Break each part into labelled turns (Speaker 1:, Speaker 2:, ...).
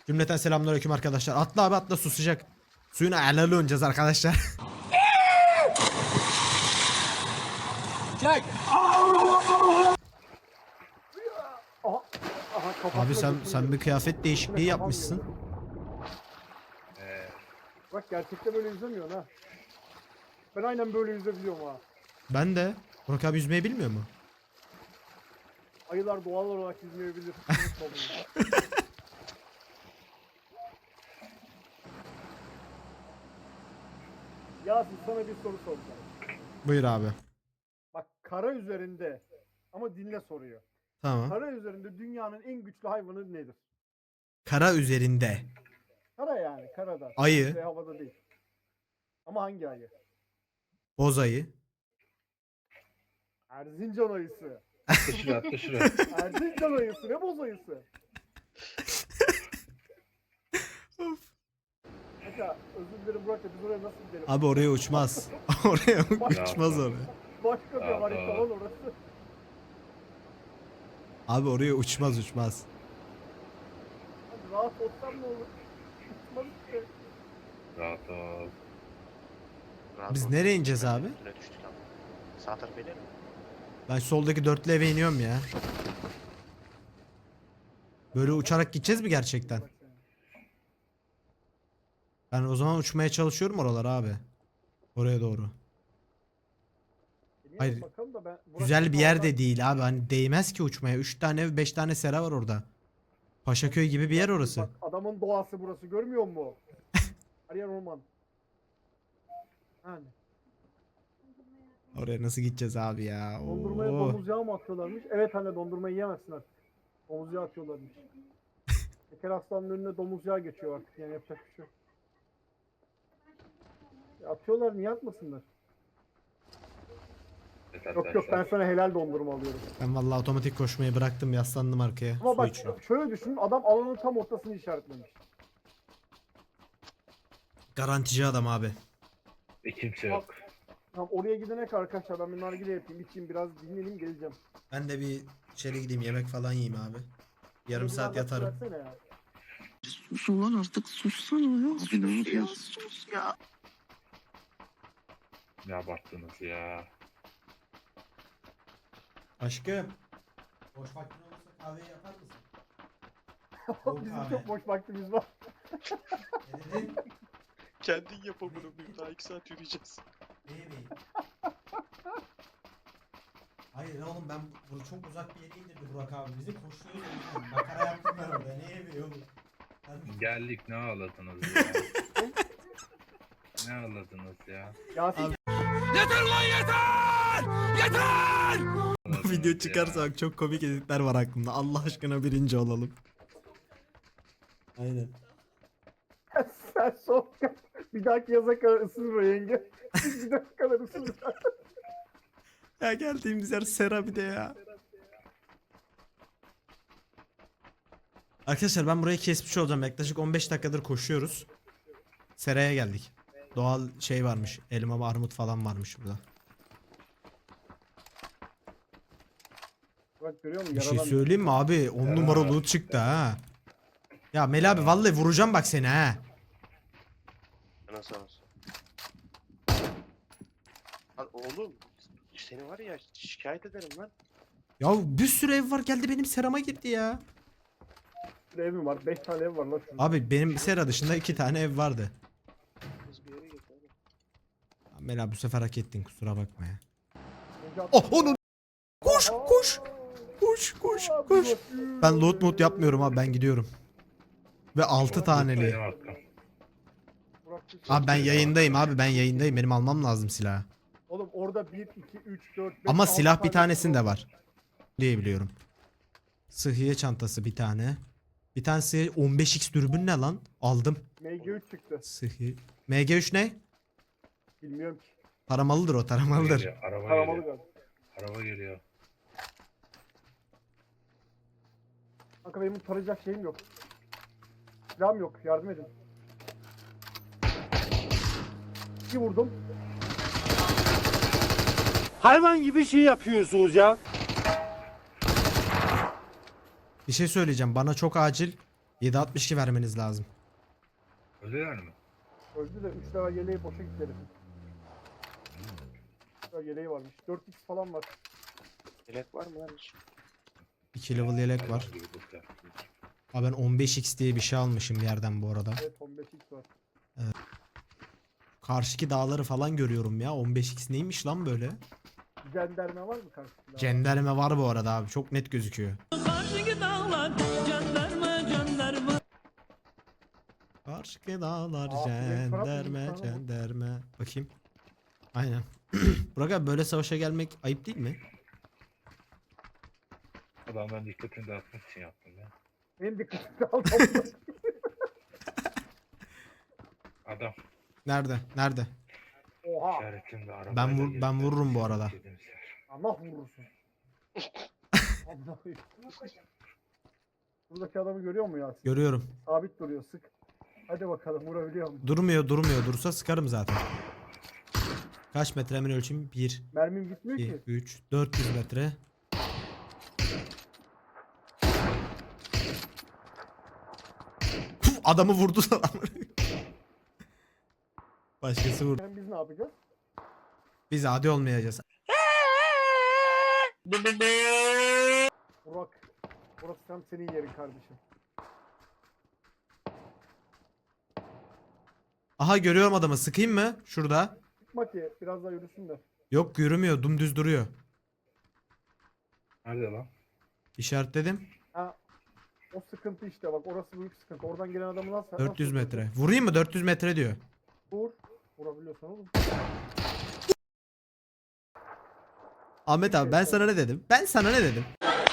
Speaker 1: Cümleten selamünaleyküm arkadaşlar. Atla abi atla, susacak. Suyuna elalı oynayacağız arkadaşlar.
Speaker 2: Çek.
Speaker 1: Abi sen bir kıyafet değişikliği yapmışsın.
Speaker 3: Bak gerçekten böyle yüzemiyorsun ha. Ben aynen böyle yüzebiliyorum ha.
Speaker 1: Ben de. Burak abi yüzmeyi bilmiyor mu?
Speaker 3: Ayılar doğal olarak yüzmeyebilir. Yasin sana bir soru soracağım.
Speaker 1: Buyur abi.
Speaker 3: Bak kara üzerinde ama dinle soruyor.
Speaker 1: Tamam.
Speaker 3: Kara üzerinde dünyanın en güçlü hayvanı nedir?
Speaker 1: Kara üzerinde.
Speaker 3: Kara yani karada.
Speaker 1: Ayı.
Speaker 3: Havada değil. Ama hangi ayı?
Speaker 1: Boz ayı.
Speaker 3: Erzincan ayısı.
Speaker 4: Atla şuraya, atla şuraya.
Speaker 3: Erzincan ayısı ne boz ayısı? Mesela özür dilerim Burak da biz oraya nasıl gidelim?
Speaker 1: Abi oraya uçmaz. Oraya uçmaz oraya.
Speaker 3: Başka bir harita lan orası.
Speaker 1: Abi oraya uçmaz.
Speaker 3: Hadi rahat olsam ne olur? Uçmaz işte.
Speaker 4: Rahat ol.
Speaker 1: Biz nereye ineceğiz abi?
Speaker 5: Üstüne düştük ama. Sağ tarafa inelim mi?
Speaker 1: Ben soldaki dörtlü eve iniyorum ya. Böyle uçarak gideceğiz mi gerçekten? Ben o zaman uçmaya çalışıyorum oralara abi. Oraya doğru. Hayır.
Speaker 3: Bakalım da Burak
Speaker 1: Güzel bir yer
Speaker 3: oradan-
Speaker 1: de değil abi. Hani değmez ki uçmaya. 3 tane ev, 5 tane sera var orada. Paşaköy gibi bir yer orası.
Speaker 3: Bak adamın doğası burası görmüyor musun? Her yer orman. Yani.
Speaker 1: Oraya nasıl gideceğiz abi ya?
Speaker 3: Dondurmaya
Speaker 1: Oo.
Speaker 3: domuz yağı mı atıyorlarmış? Evet anne dondurmayı yiyemezsin artık. Domuz yağı atıyorlarmış. Şeker hastanın önüne domuz yağı geçiyor artık yani yapacak bir şey yok. Ya atıyorlar niye atmasınlar? Yok ben sana helal dondurma alıyorum.
Speaker 1: Ben vallahi otomatik koşmayı bıraktım, yaslandım arkaya.
Speaker 3: Ama
Speaker 1: Su
Speaker 3: bak
Speaker 1: içiyorum.
Speaker 3: şöyle düşün adam alanın tam ortasını işaretlemiş.
Speaker 1: Garantici adam abi.
Speaker 4: Kimse yok.
Speaker 3: Tamam oraya gidene kadar arkadaşlar ben bir nargile yapayım içeyim biraz dinleneyim geleceğim.
Speaker 1: Ben de bir içeri gideyim, yemek falan yiyeyim abi. Yarım
Speaker 3: Beni
Speaker 1: saat
Speaker 3: bir
Speaker 1: yatarım.
Speaker 3: versene ya.
Speaker 6: Sus ulan artık sussana ya. Sus ya sus ya.
Speaker 4: Ne abarttınız ya.
Speaker 1: Aşkım. Boş vaktin olursa kahveyi yapar mısın? Soğuk
Speaker 3: Bizim
Speaker 1: kahve.
Speaker 3: çok boş vaktimiz var.
Speaker 1: Ne dedin?
Speaker 5: Kendin yap amına koyayım. Daha 2 saat yürüyeceğiz.
Speaker 1: Ne yemeği? Hayır oğlum ben bunu çok uzak bir yere indirdi Burak abi. Bizi koşuyoruz. Makara yaptım ben orada. Ne yemeği oğlum? Ben...
Speaker 4: Geldik ne ağladınız ya. Ne ağladınız ya.
Speaker 3: Yasin
Speaker 1: Abi-
Speaker 4: Ağladınız
Speaker 1: Bu video
Speaker 4: ya.
Speaker 1: çıkarsa bak çok komik editler var aklımda. Allah aşkına birinci olalım. Aynen.
Speaker 3: sen son bir dahaki yaza kadar ısınır o yenge. Bir dahaki kadar ısınır.
Speaker 1: Ya geldiğimiz yer sera bir de ya. Arkadaşlar ben burayı kesmiş olacağım. Yaklaşık 15 dakikadır koşuyoruz. Seraya geldik. Doğal şey varmış. Elma, armut falan varmış burada.
Speaker 3: Bak görüyor musun?
Speaker 1: Bir şey
Speaker 3: Yaradan
Speaker 1: söyleyeyim mi abi? 10 numara loot çıktı ha. Ya Mel abi vallahi vuracağım bak seni ha.
Speaker 5: Nasıl olsun? Lan oğlum. Seni var ya şikayet ederim lan.
Speaker 1: Ya bir sürü ev var, geldi benim serama girdi ya.
Speaker 3: bir evim var. 5 tane ev var lan şurada.
Speaker 1: Abi benim sera dışında 2 tane ev vardı.
Speaker 5: Kız bir yere git oğlum.
Speaker 1: Mel abi bu sefer hak ettin, kusura bakma ya.
Speaker 3: Yenge at-
Speaker 1: Oh onun. Koş koş. Koş koş koş. Ben loot mod yapmıyorum abi, ben gidiyorum. Ve 6 taneli.
Speaker 4: Benim hakkım.
Speaker 3: Burak,
Speaker 1: Abi ben yayındayım abi, ben yayındayım, benim almam lazım silahı.
Speaker 3: Oğlum orada 1, 2, 3, 4, 5,
Speaker 1: Ama silah bir tanesinde var diye biliyorum. Sıhhiye çantası bir tane. Bir tanesi 15x dürbün ne lan? Aldım.
Speaker 3: MG3 çıktı.
Speaker 1: Sıhhi. MG3 ne?
Speaker 3: Bilmiyorum ki.
Speaker 1: Taramalıdır o, taramalıdır.
Speaker 4: Geliyor, araba
Speaker 3: Taramalı
Speaker 4: geliyor.
Speaker 3: galiba.
Speaker 4: Araba geliyor.
Speaker 3: Kanka benim tarayacak şeyim yok. Silahım yok. Yardım edin. Bir vurdum.
Speaker 2: Hayvan gibi şey yapıyorsunuz ya.
Speaker 1: Bir şey söyleyeceğim, bana çok acil 7.62 vermeniz lazım.
Speaker 4: Ölüyor mu?
Speaker 3: Öldü de 3 level yeleği boşa gitti herifin. 3 level yeleği varmış. 4x falan var.
Speaker 5: Yelek var mı lan hiç?
Speaker 1: 2 level yelek var.
Speaker 4: Hayvan gibi loot yaptınız.
Speaker 1: Abi ben 15x diye bir şey almışım bir yerden bu arada.
Speaker 3: Evet 15x var.
Speaker 1: Karşıki dağları falan görüyorum ya. 15x neymiş lan böyle?
Speaker 3: Cenderme var mı karşısında?
Speaker 1: Cenderme var bu arada abi. Çok net gözüküyor.
Speaker 7: Karşıki dağlar cenderme cenderme.
Speaker 1: Karşıki dağlar
Speaker 3: Aa, Frank Trump
Speaker 1: cenderme
Speaker 3: mıymış lan o?
Speaker 1: cenderme. Bakayım. Aynen. Burak abi böyle savaşa gelmek ayıp değil mi?
Speaker 4: Adamların dikkatini dağıtmak için yaptım ya.
Speaker 3: Benim dikkatimi aldım.
Speaker 4: Adam
Speaker 1: Nerede? Nerede?
Speaker 3: Oha.
Speaker 4: işaretinde arabayla
Speaker 1: Ben
Speaker 4: gelip
Speaker 1: vururum bu arada.
Speaker 4: dediğimiz yer.
Speaker 3: Allah vurursun. Allah'ım. Buradaki adamı görüyor mu Yasin?
Speaker 1: Görüyorum.
Speaker 3: Sabit duruyor sık. Hadi bakalım vurabiliyor mu?
Speaker 1: Durmuyor. Dursa sıkarım zaten. Kaç metre hemen ölçeyim? 1,
Speaker 3: Mermim gitmiyor
Speaker 1: 2,
Speaker 3: ki.
Speaker 1: 3, 400 metre. Puf, adamı vurdu sana. Başkası vurdu.
Speaker 3: Biz ne yapacağız?
Speaker 1: Biz adi olmayacağız.
Speaker 3: Burak. Burası tam senin yerin kardeşim.
Speaker 1: Aha görüyorum adamı. Sıkayım mı? Şurada.
Speaker 3: Çıkma ki biraz daha yürüsün de.
Speaker 1: Yok yürümüyor. Dümdüz duruyor.
Speaker 4: Nerede lan?
Speaker 1: İşaretledim.
Speaker 3: Ha. O sıkıntı işte bak orası büyük sıkıntı. Oradan gelen adamı nasıl
Speaker 1: 400
Speaker 3: nasıl
Speaker 1: metre. Vurayım mı? 400 metre diyor.
Speaker 3: Vur. Vurabiliyorsan oğlum.
Speaker 1: Ahmet abi ben sana ne dedim? Ben sana ne dedim?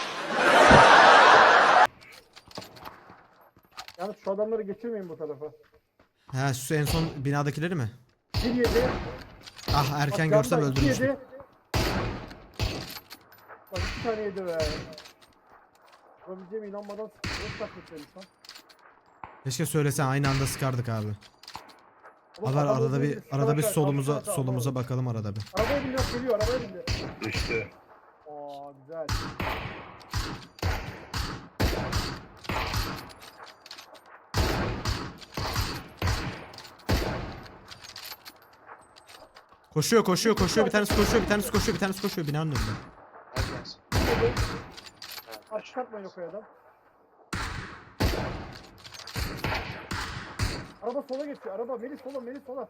Speaker 3: Yani şu adamları geçirmeyin bu tarafa.
Speaker 1: Ha şu en son binadakileri mi?
Speaker 3: 1-7.
Speaker 1: Ah erken
Speaker 3: Bak,
Speaker 1: görsem
Speaker 3: yandan
Speaker 1: öldürmüştüm.
Speaker 3: 2-7. Bak 2 tane yedi be. Vurabileceğime inanmadan sıkıntı. Nasıl takmışlarmış lan?
Speaker 1: Keşke söylesen aynı anda sıkardık abi.
Speaker 3: Oğlum,
Speaker 1: Abi
Speaker 3: adam
Speaker 1: arada
Speaker 3: öldürdü,
Speaker 1: bir
Speaker 3: sıkarak ver,
Speaker 1: solumuza
Speaker 3: kalk, kalk,
Speaker 1: solumuza
Speaker 3: kalk.
Speaker 1: bakalım arada bir.
Speaker 3: Arabaya biniyor geliyor arabaya bindi.
Speaker 4: Düştü.
Speaker 3: Aa güzel.
Speaker 1: Koşuyor bir tanesi koşuyor binanın önünde.
Speaker 5: Hadi gelsin.
Speaker 3: Aç çıkartmayın o kayadan. Araba sola geçiyor. Araba Melih sola Melih sola.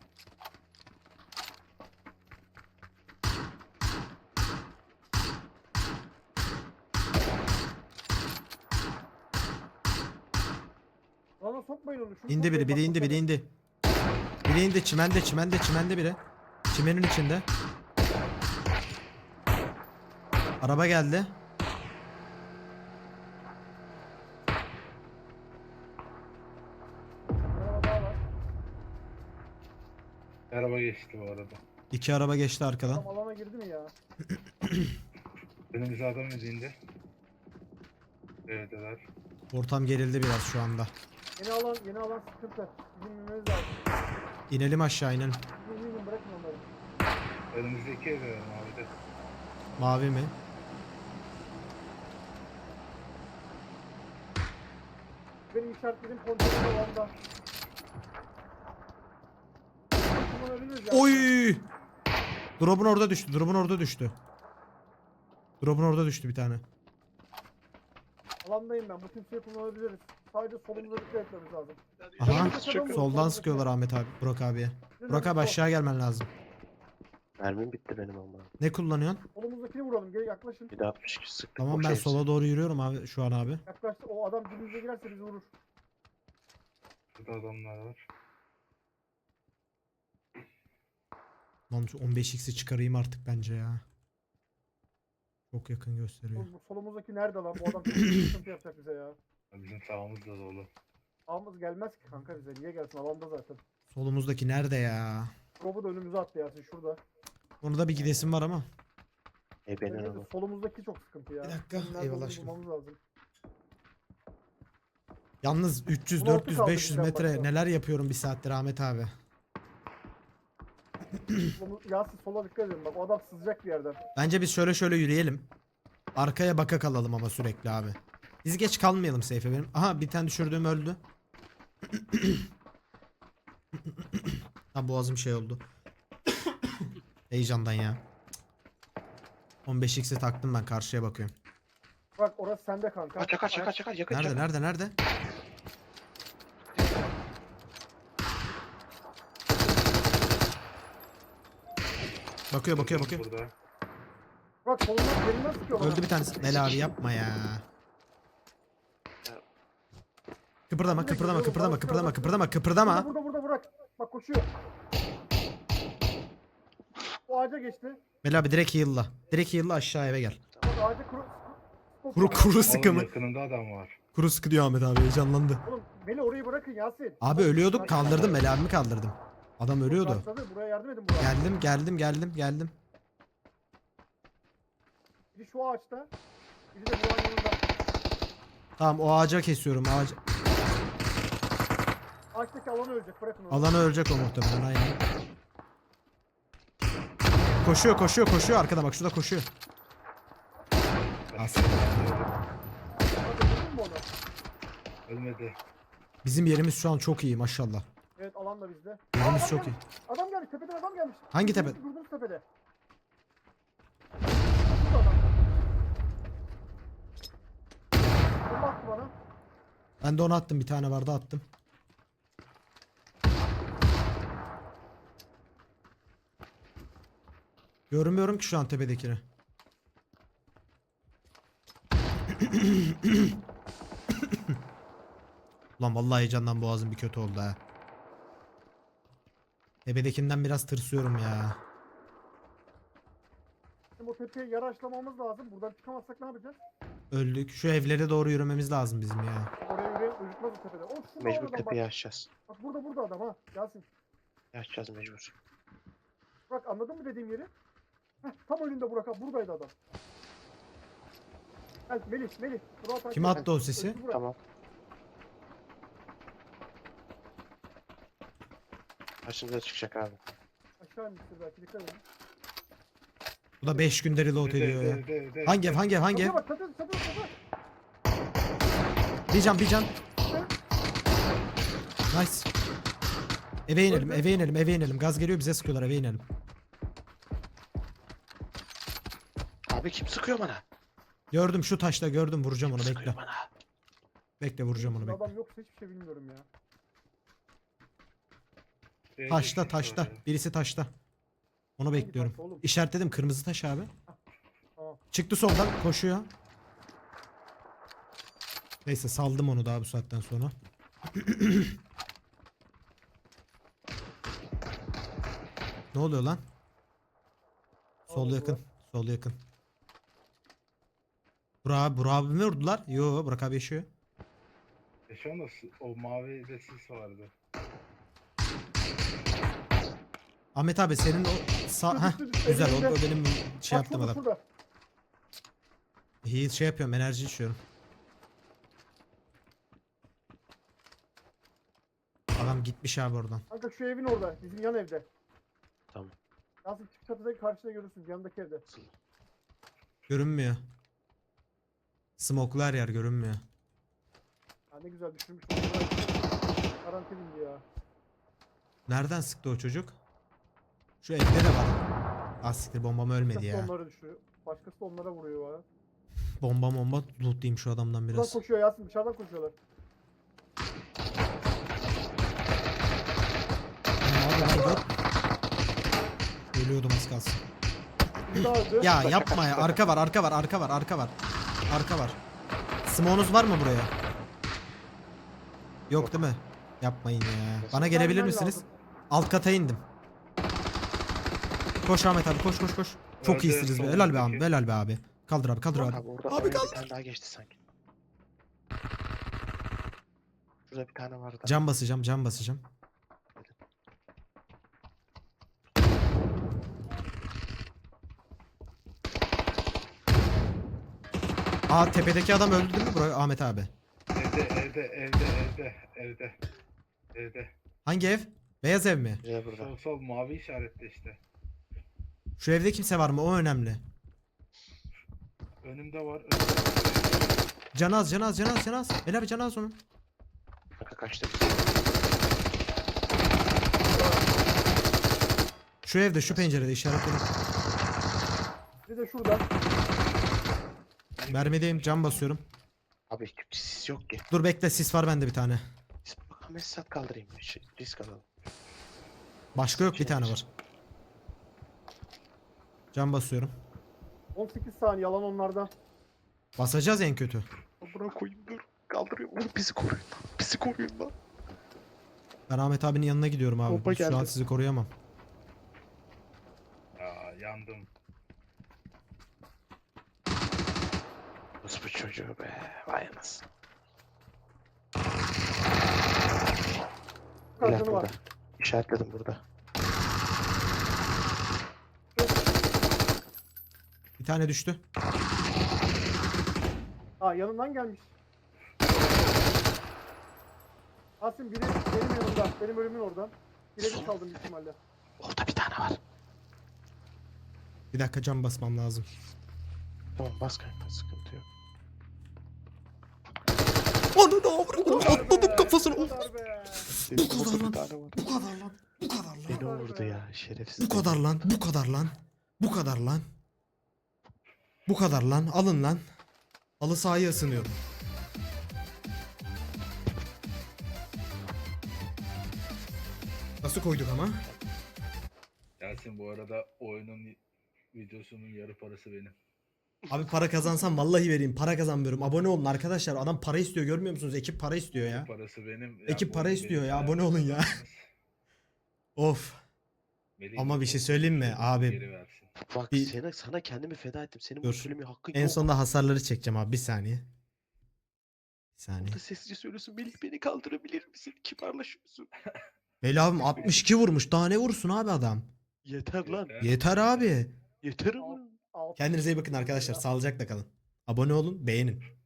Speaker 3: Lana sokmayın onu. Şunu
Speaker 1: İndi biri
Speaker 3: sokmayın, bak,
Speaker 1: biri indi. Biri indi çimende biri. Çimenin içinde. Araba geldi.
Speaker 3: Araba daha var.
Speaker 4: Araba geçti bu arada.
Speaker 1: 2 araba geçti arkadan.
Speaker 3: Tam alana girdi mi ya?
Speaker 4: Önümüze adam izinde. Evdeler.
Speaker 1: Ortam gerildi biraz şu anda.
Speaker 3: Yeni alan sıkıntı. Bizim bilmemiz lazım.
Speaker 1: İnelim aşağı inelim.
Speaker 3: Bizim bırakın onları.
Speaker 4: Önümüzdeki evde abi de.
Speaker 1: Mavi mi?
Speaker 3: Benim işaretlediğim konteyner alanda. Kullanabiliriz ya.
Speaker 1: Oy! Drop'un orada düştü. Drop'un orada düştü bir tane.
Speaker 3: Alandayım ben. Bu kimseyi kullanabiliriz. Sadece solumuza dikkat etmemiz lazım.
Speaker 1: Aha.
Speaker 5: Çok
Speaker 1: Soldan sıkıyorlar Ahmet abi. Burak abiye. Burak abi aşağı gelmen lazım.
Speaker 5: Mermim bitti benim ama.
Speaker 1: Ne kullanıyorsun?
Speaker 3: Solumuzdakini vuralım. Gel yaklaşın.
Speaker 5: Bir de 62 sıktık.
Speaker 1: Tamam
Speaker 5: boş
Speaker 1: ben
Speaker 5: hepsi.
Speaker 1: sola doğru yürüyorum abi şu an abi.
Speaker 3: Yaklaştı. O adam dibimize girerse bizi vurur.
Speaker 4: Burada adamlar var.
Speaker 1: Lan şu 15x'i çıkarayım artık bence ya. Çok yakın gösteriyor.
Speaker 3: Bu solumuzdaki nerede lan? Bu adam çok sıkıntı yapacak bize ya.
Speaker 4: Bizim sağımız da dolu.
Speaker 3: Ağımız gelmez ki kanka bize. Niye gelsin? Alanda zaten.
Speaker 1: Solumuzdaki nerede ya?
Speaker 3: Robu da önümüze attı Yasin şurada.
Speaker 1: Onu da bir gidesim var ama.
Speaker 5: Benim
Speaker 3: Bence de
Speaker 5: ama.
Speaker 3: solumuzdaki çok sıkıntı ya.
Speaker 1: Bir dakika,
Speaker 3: Nerede
Speaker 1: eyvallah
Speaker 3: olduğunu
Speaker 1: aşkım.
Speaker 3: bulmamız lazım.
Speaker 1: Yalnız 300,
Speaker 3: 16
Speaker 1: 400,
Speaker 3: kaldı
Speaker 1: 500
Speaker 3: bizden
Speaker 1: metre
Speaker 3: başka.
Speaker 1: neler yapıyorum bir saattir Ahmet abi.
Speaker 3: Yasin sola dikkat edin. Bak o adam sızacak bir yerden.
Speaker 1: Bence biz şöyle yürüyelim. Arkaya baka kalalım ama sürekli abi. Biz geç kalmayalım seyfe benim. Aha bir tane düşürdüğüm öldü. Ha boğazım şey oldu. Heyecandan ya. 15x'i taktım ben, karşıya bakıyorum.
Speaker 3: Bak orası sende kanka.
Speaker 5: Çakar yakın.
Speaker 1: Nerede? Bakıyor.
Speaker 4: Burada.
Speaker 3: Bak solundan yerinden sıkıyorlar.
Speaker 1: Öldü bir tanesi. Mel abi yapma ya. Kıpırdama.
Speaker 3: Burada bırak. Bak koşuyor. O ağaca geçti.
Speaker 1: Mel abi direkt heal'la aşağı eve gel.
Speaker 3: Bak ağaca
Speaker 1: Kuru sıkı
Speaker 4: Oğlum
Speaker 1: mı?
Speaker 4: yakınında adam var.
Speaker 1: Kuru sıkı diyor Ahmet abi, heyecanlandı.
Speaker 3: Oğlum Meli orayı bırakın Yasin.
Speaker 1: Abi ölüyorduk, kaldırdım, Mel abimi kaldırdım. Adam ölüyordu.
Speaker 3: Başladı, buraya yardım edin buraya.
Speaker 1: Geldim.
Speaker 3: Biri şu ağaçta. Biri de buranın yanında.
Speaker 1: Tamam o ağaca kesiyorum, ağaç.
Speaker 3: Ağaçtaki alanı ölecek, bırakın onu.
Speaker 1: Alanı ölecek o muhtemelen, aynen. Koşuyor arkada, bak şurada koşuyor. As.
Speaker 3: Hadi öldürdün mü onu?
Speaker 4: Ölmedi.
Speaker 1: Bizim yerimiz şu an çok iyi maşallah.
Speaker 3: Evet alan da bizde.
Speaker 1: Yerimiz
Speaker 3: Aa,
Speaker 1: çok iyi.
Speaker 3: Adam gelmiş, tepeden adam gelmiş.
Speaker 1: Hangi tepe?
Speaker 3: Durduğumuz tepede. Burada adam. Bomba attı bana.
Speaker 1: Ben de onu attım, bir tane vardı attım. Görmüyorum ki şu an tepedekini. Ulan vallahi heyecandan boğazım bir kötü oldu ha. Tepedekinden biraz tırsıyorum ya.
Speaker 3: Şimdi o tepeye yaraşlamamız lazım. Buradan çıkamazsak ne yapacağız?
Speaker 1: Öldük. Şu evlere doğru yürümemiz lazım bizim ya.
Speaker 3: Oraya yürüyen uyutmaz o tepede. Oh, şurada
Speaker 5: Mecbur
Speaker 3: adam
Speaker 5: tepeyi
Speaker 3: bak.
Speaker 5: açacağız.
Speaker 3: Bak burada adam ha. Yasin.
Speaker 5: Açacağız mecbur.
Speaker 3: Bak anladın mı dediğim yeri? Heh, tam önünde Burak abi. Buradaydı adam. Gel Melih. Burak abi.
Speaker 1: Kim attı o sesi?
Speaker 3: Öldü Burak.
Speaker 5: Tamam. Karşımıza çıkacak abi.
Speaker 3: Aşağı inmiştir belki, dikkat edin.
Speaker 1: Bu da 5 günde reload ediyor ya.
Speaker 4: Evde.
Speaker 1: Hangi ev?
Speaker 3: Çatıya bak, çatı.
Speaker 1: Bir can. Nice. Eve inelim. Gaz geliyor, bize sıkıyorlar, eve inelim.
Speaker 5: Abi kim sıkıyor bana?
Speaker 1: Gördüm şu taşta, gördüm, vuracağım onu, bekle.
Speaker 5: Sıkıyor bana.
Speaker 1: Bekle, vuracağım onu, bekle.
Speaker 3: Adam yoksa hiçbir şey bilmiyorum ya.
Speaker 1: Taşta. Birisi taşta. Onu bekliyorum.
Speaker 3: taş oğlum?
Speaker 1: İşaretledim, kırmızı taş abi.
Speaker 3: Tamam.
Speaker 1: Çıktı soldan, koşuyor. Neyse saldım onu daha bu saatten sonra. Ne oluyor lan? Sol
Speaker 3: Allah
Speaker 1: yakın. Sol yakın. Burak abi mi vurdular? Yo, Burak abi yaşıyor.
Speaker 4: Şu anda o mavi de sis vardı.
Speaker 1: Ahmet abi senin o sağ... Heh, güzel o benim şey
Speaker 3: Bak
Speaker 1: yaptım adam.
Speaker 3: şurada.
Speaker 1: Heal şey yapıyorum, enerji içiyorum. Adam gitmiş abi oradan.
Speaker 3: Kanka şu evin orada. Bizim yan evde.
Speaker 5: Tamam.
Speaker 3: Yasin çık çatıdaki karşıda görürsün. Yanındaki evde.
Speaker 1: Görünmüyor. Smoke'lu her yer görünmüyor.
Speaker 3: Ha ne güzel düşürmüş. Garanti bindi ya.
Speaker 1: Nereden sıktı o çocuk? Şu evde de var. Asiktir, bombam ölmedi
Speaker 3: Başkası
Speaker 1: ya.
Speaker 3: onları düşürüyor. Başkası da onlara vuruyor ya.
Speaker 1: Bomba lootlayayım şu adamdan
Speaker 3: Buradan
Speaker 1: biraz.
Speaker 3: koşuyor Yasin. Dışarıdan koşuyorlar.
Speaker 1: Abi dur. Ölüyordum az kalsın.
Speaker 3: Bir daha öldü.
Speaker 1: Ya yapma ya. Arka var. Smoke'unuz var mı buraya? Yok değil mi? Yapmayın ya. Bana gelebilir
Speaker 3: Gelmen
Speaker 1: misiniz?
Speaker 3: lazım.
Speaker 1: Alt kata indim. Koş Ahmet abi, koş. Çok
Speaker 4: Nerede?
Speaker 1: iyisiniz be. Helal be abi.
Speaker 4: Soldaki.
Speaker 1: Helal be abi. Kaldır abi.
Speaker 5: Abi orada
Speaker 1: Abi
Speaker 5: oraya bir
Speaker 1: kaldır.
Speaker 5: tane daha geçti sanki. Şurada bir tane vardı.
Speaker 1: Cam basacağım. Aa, tepedeki adam öldü değil mi bro Ahmet abi?
Speaker 4: Evde.
Speaker 1: Hangi ev? Beyaz ev mi?
Speaker 5: Buraya burada.
Speaker 4: Sol mavi işaretli işte.
Speaker 1: Şu evde kimse var mı? O önemli.
Speaker 4: Önümde var.
Speaker 1: Canaz. El abi canaz onun.
Speaker 5: Kanka kaçtı.
Speaker 1: Şu evde şu pencerede işaretledim.
Speaker 3: Bir de şurada.
Speaker 1: Mermideyim, cam basıyorum.
Speaker 5: Abi sis yok ki.
Speaker 1: Dur bekle, sis var bende bir tane.
Speaker 5: Bakalım mesaj kaldırayım. Risk alalım.
Speaker 1: Başka yok, bir tane var. Cam basıyorum.
Speaker 3: 18 saniye yalan onlarda.
Speaker 1: Basacağız en kötü.
Speaker 5: Amına koyayım dur. Kaldırıyorum. Oğlum bizi koruyun lan. Bizi koruyun lan.
Speaker 1: Ben Ahmet abinin yanına gidiyorum abi.
Speaker 5: Bomba
Speaker 1: Şu an
Speaker 5: geldi.
Speaker 1: sizi koruyamam.
Speaker 4: Aa, yandım.
Speaker 5: Nasıl bu çocuğu be? Vay anasını.
Speaker 3: Kadını
Speaker 5: Silah
Speaker 3: var.
Speaker 5: burada. İşaretledim burada.
Speaker 1: Bir tane düştü.
Speaker 3: Ha yanından gelmiş. Asim biri benim yanımda. Benim ölümün oradan. Birebir kaldım büyük ihtimalle.
Speaker 5: Orada bir tane var.
Speaker 1: Bir dakika, cam basmam lazım.
Speaker 5: Tamam bas kanka sıkıntı yok.
Speaker 1: Ananı avradım, atladım kafasına.
Speaker 3: Bu kadar be.
Speaker 5: Senin
Speaker 1: kadar
Speaker 5: orada
Speaker 1: lan.
Speaker 5: bir tane var.
Speaker 1: Bu kadar lan. Bu kadar lan.
Speaker 5: Beni vurdu ya şerefsiz.
Speaker 1: Bu kadar lan. Bu kadar lan. Bu kadar lan. Bu kadar lan. Alın lan. Halı sahayı ısınıyorum. Nasıl koyduk ama?
Speaker 4: Yasin bu arada oyunun videosunun yarı parası benim.
Speaker 1: Abi para kazansam vallahi vereyim. Para kazanmıyorum. Abone olun arkadaşlar. Adam para istiyor, görmüyor musunuz? Ekip para istiyor ya.
Speaker 4: Parası benim.
Speaker 1: Ekip
Speaker 4: bu
Speaker 1: para
Speaker 4: oyun
Speaker 1: istiyor
Speaker 4: benim
Speaker 1: ya, abone
Speaker 4: hayatım.
Speaker 1: olun ya. Of. Ama bir şey söyleyeyim mi abi?
Speaker 4: Geri versin.
Speaker 5: Bak
Speaker 1: Bir-
Speaker 5: sana kendimi feda ettim. Senin
Speaker 1: Dur.
Speaker 5: bunu söylemeye hakkın
Speaker 1: En
Speaker 5: yok.
Speaker 1: sonunda hasarları çekeceğim abi. Bir saniye. Bir saniye.
Speaker 5: Burada sessizce söylüyorsun. Melih beni kaldırabilir misin? Kibarlaşıyorsun.
Speaker 1: Veli abim 62 vurmuş. Daha ne vursun abi adam?
Speaker 5: Yeter lan.
Speaker 1: Yeter abi.
Speaker 5: Yeter ama.
Speaker 3: Alt-
Speaker 1: Kendinize iyi bakın arkadaşlar. Sağlıcakla kalın. Abone olun, beğenin.